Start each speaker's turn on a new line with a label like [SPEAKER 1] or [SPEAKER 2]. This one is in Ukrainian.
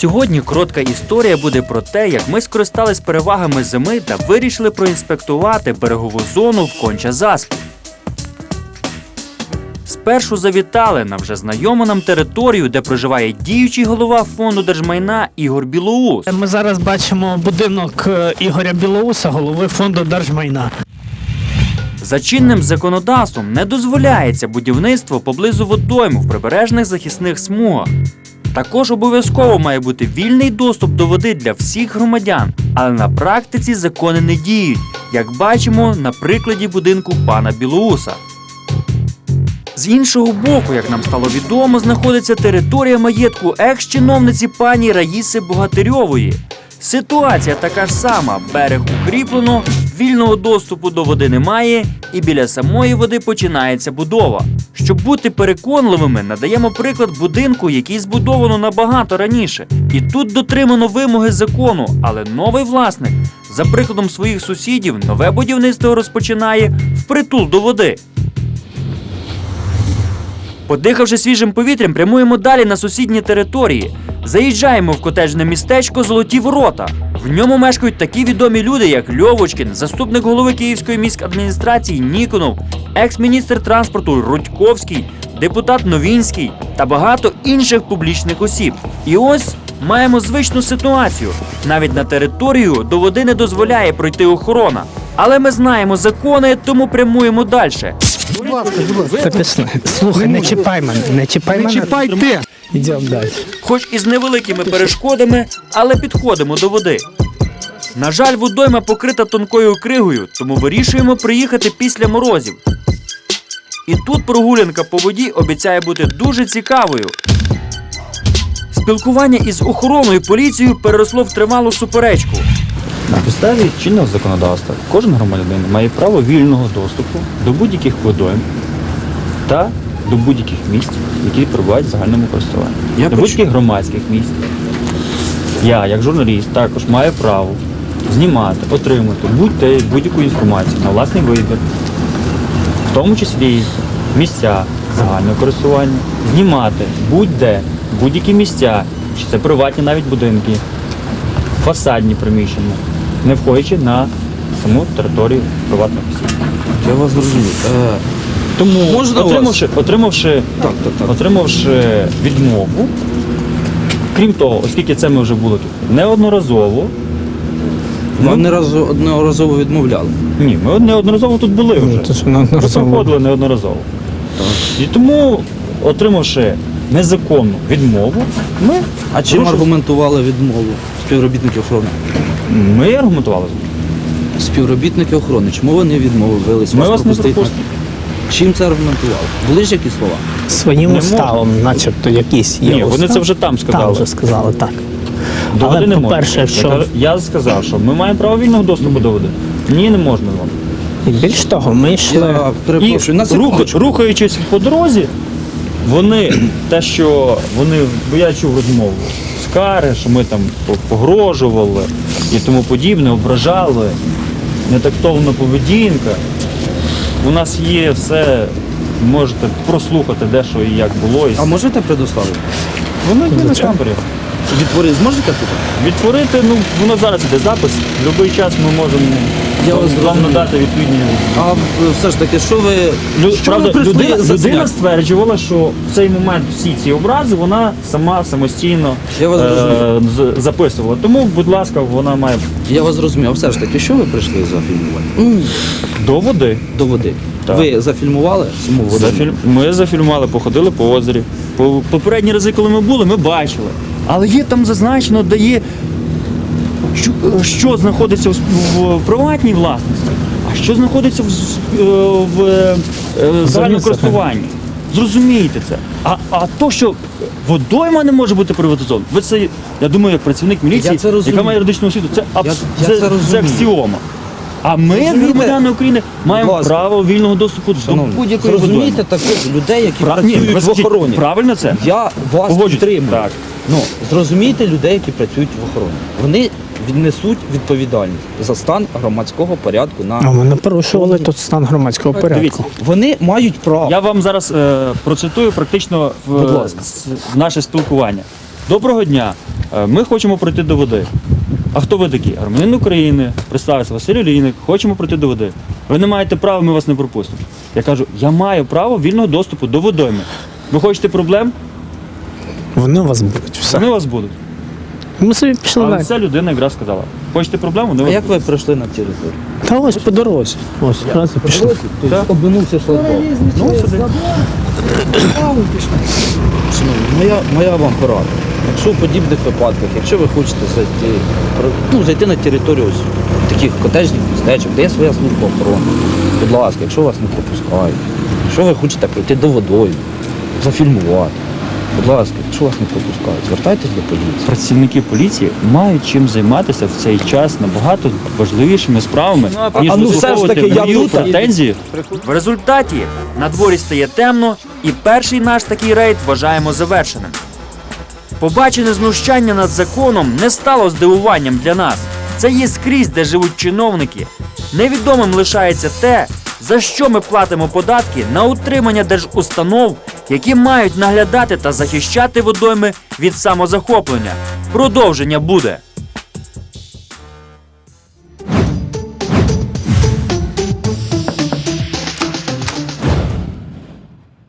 [SPEAKER 1] Сьогодні коротка історія буде про те, як ми скористались перевагами зими та вирішили проінспектувати берегову зону в Конча-Заспі. Спершу завітали на вже знайому нам територію, де проживає діючий голова фонду держмайна Ігор Білоус.
[SPEAKER 2] Ми зараз бачимо будинок Ігоря Білоуса, голови фонду держмайна.
[SPEAKER 1] За чинним законодавством не дозволяється будівництво поблизу водойм в прибережних захисних смугах. Також обов'язково має бути вільний доступ до води для всіх громадян, але на практиці закони не діють, як бачимо на прикладі будинку пана Білоуса. З іншого боку, як нам стало відомо, знаходиться територія маєтку екс-чиновниці пані Раїси Богатирьової. Ситуація така ж сама, берег укріплено, вільного доступу до води немає і біля самої води починається будова. Щоб бути переконливими, надаємо приклад будинку, який збудовано набагато раніше. І тут дотримано вимоги закону, але новий власник, за прикладом своїх сусідів, нове будівництво розпочинає впритул до води. Подихавши свіжим повітрям, прямуємо далі на сусідні території. Заїжджаємо в котеджне містечко Золоті Ворота. В ньому мешкають такі відомі люди, як Льовочкін, заступник голови Київської міськадміністрації Ніконов, екс-міністр транспорту Рудьковський, депутат Новінський та багато інших публічних осіб. І ось маємо звичну ситуацію. Навіть на територію до води не дозволяє пройти охорона. Але ми знаємо закони, тому прямуємо далі.
[SPEAKER 3] Будь ласка.
[SPEAKER 2] Слухай, не чіпай мене, не чіпай мене.
[SPEAKER 3] Не чіпай ти!
[SPEAKER 2] Йдемо далі.
[SPEAKER 1] Хоч і з невеликими перешкодами, але підходимо до води. На жаль, водойма покрита тонкою кригою, тому вирішуємо приїхати після морозів. І тут прогулянка по воді обіцяє бути дуже цікавою. Спілкування із охороною поліцією переросло в тривалу суперечку.
[SPEAKER 4] На підставі чинного законодавства кожен громадянин має право вільного доступу до будь-яких водойм та до будь-яких місць, які перебувають в загальному користуванні. До будь-яких громадських місць. Я, як журналіст, також маю право знімати, отримати будь-яку інформацію на власний вибір, в тому числі місця загального користування, знімати будь-де, будь-які місця, чи це приватні навіть будинки, фасадні приміщення, не входячи на саму територію приватних осіб.
[SPEAKER 3] Я вас зрозумів.
[SPEAKER 4] Тому,
[SPEAKER 3] Можна
[SPEAKER 4] отримавши відмову, крім того, оскільки це ми вже були тут неодноразово.
[SPEAKER 3] Вам неодноразово відмовляли?
[SPEAKER 4] Ні, ми неодноразово тут були вже. Ми проходили неодноразово. І тому, отримавши незаконну відмову, ми...
[SPEAKER 3] А чим аргументували відмову співробітники охорони?
[SPEAKER 4] Ми аргументували.
[SPEAKER 3] Співробітники охорони, чому вони відмовились?
[SPEAKER 4] Ми вас не пропустимо.
[SPEAKER 3] Чим це аргументували? Були ж якісь слова?
[SPEAKER 2] Своїм уставом, начебто, якісь є.
[SPEAKER 4] Ні, вони це вже там сказали.
[SPEAKER 2] Там вже сказали, так.
[SPEAKER 4] До води не
[SPEAKER 2] по-перше,
[SPEAKER 4] можна. Я сказав, що ми маємо право вільного доступу до води. Ні, не можна вам.
[SPEAKER 2] І більш того, ми йшли...
[SPEAKER 3] Я перепрошую, на секундочку.
[SPEAKER 4] Рухаючись по дорозі, бо я чув розмову, скари, що ми там погрожували і тому подібне, ображали, нетактовна поведінка. У нас є все, можете прослухати, де що і як було.
[SPEAKER 3] А можете предоставити?
[SPEAKER 4] Воно йде на камері.
[SPEAKER 3] Відтворити зможете тут?
[SPEAKER 4] Відтворити, воно зараз іде запис, в будь-який час ми можемо вам надати відповідні.
[SPEAKER 3] А все ж таки, що ви
[SPEAKER 4] Правда,
[SPEAKER 3] прийшли за
[SPEAKER 4] людина стверджувала, що в цей момент всі ці образи вона самостійно
[SPEAKER 3] Я вас
[SPEAKER 4] записувала. Тому, будь ласка, вона має
[SPEAKER 3] Я вас зрозумів, а все ж таки, що ви прийшли зафільмувати?
[SPEAKER 4] до води.
[SPEAKER 3] До води.
[SPEAKER 4] Так.
[SPEAKER 3] Ви зафільмували саму воду?
[SPEAKER 4] Ми зафільмували, походили по озері. Попередні рази, коли ми були, ми бачили. Але є там зазначено, де є, що знаходиться в приватній власності, а що знаходиться в загальному користуванні. Зрозумійте це. А то, що водойма не може бути приватизована, ви це, я думаю, як працівник міліції, яка має юридичну освіту, це аксіома. А ми, громадяни України, маємо право вільного доступу до будь-якої водойми.
[SPEAKER 3] Зрозумійте таких людей, які працюють в охороні.
[SPEAKER 4] Правильно це?
[SPEAKER 3] Я вас підтримую.
[SPEAKER 4] Так.
[SPEAKER 3] Зрозумійте людей, які працюють в охороні. Вони віднесуть відповідальність за стан громадського порядку на...
[SPEAKER 2] А ми не порушували тут стан громадського порядку.
[SPEAKER 4] Дивіться,
[SPEAKER 3] вони мають право.
[SPEAKER 4] Я вам зараз процитую практично в наше спілкування. Доброго дня, ми хочемо пройти до води. А хто ви такі? Громадянин України, представився Василь Олійник, хочемо пройти до води. Ви не маєте права, ми вас не пропустимо. Я кажу, я маю право вільного доступу до водойми. Ви хочете проблем?
[SPEAKER 2] Вони у вас будуть. Все.
[SPEAKER 4] Вони у вас будуть.
[SPEAKER 2] Ми собі пішли
[SPEAKER 4] Але
[SPEAKER 2] далі.
[SPEAKER 4] ця людина якраз сказала, хочете проблем? Вони у
[SPEAKER 3] А
[SPEAKER 4] вас
[SPEAKER 3] як
[SPEAKER 4] будуть.
[SPEAKER 3] ви пройшли на територію?
[SPEAKER 2] Та ось по дорозі. Ось, раз і пішли.
[SPEAKER 3] Тобто обминувся шлагбаум.
[SPEAKER 4] Ну, сюди.
[SPEAKER 3] Шановні, моя вам порада. Якщо в подібних випадках, якщо ви хочете зайти на територію ось таких котеджних містечок, де є своя служба охорони, будь ласка, якщо вас не пропускають, якщо ви хочете прийти до водою, зафільмувати, будь ласка, якщо вас не пропускають, звертайтесь до поліції.
[SPEAKER 4] Працівники поліції мають чим займатися в цей час набагато важливішими справами, ніж
[SPEAKER 3] ну, все ж
[SPEAKER 4] висловлювати
[SPEAKER 3] таки, я
[SPEAKER 4] мою
[SPEAKER 3] тут.
[SPEAKER 4] претензії.
[SPEAKER 1] В результаті на дворі стає темно, і перший наш такий рейд вважаємо завершеним. Побачене знущання над законом не стало здивуванням для нас. Це є скрізь, де живуть чиновники. Невідомим лишається те, за що ми платимо податки на утримання держустанов, які мають наглядати та захищати водойми від самозахоплення. Продовження буде.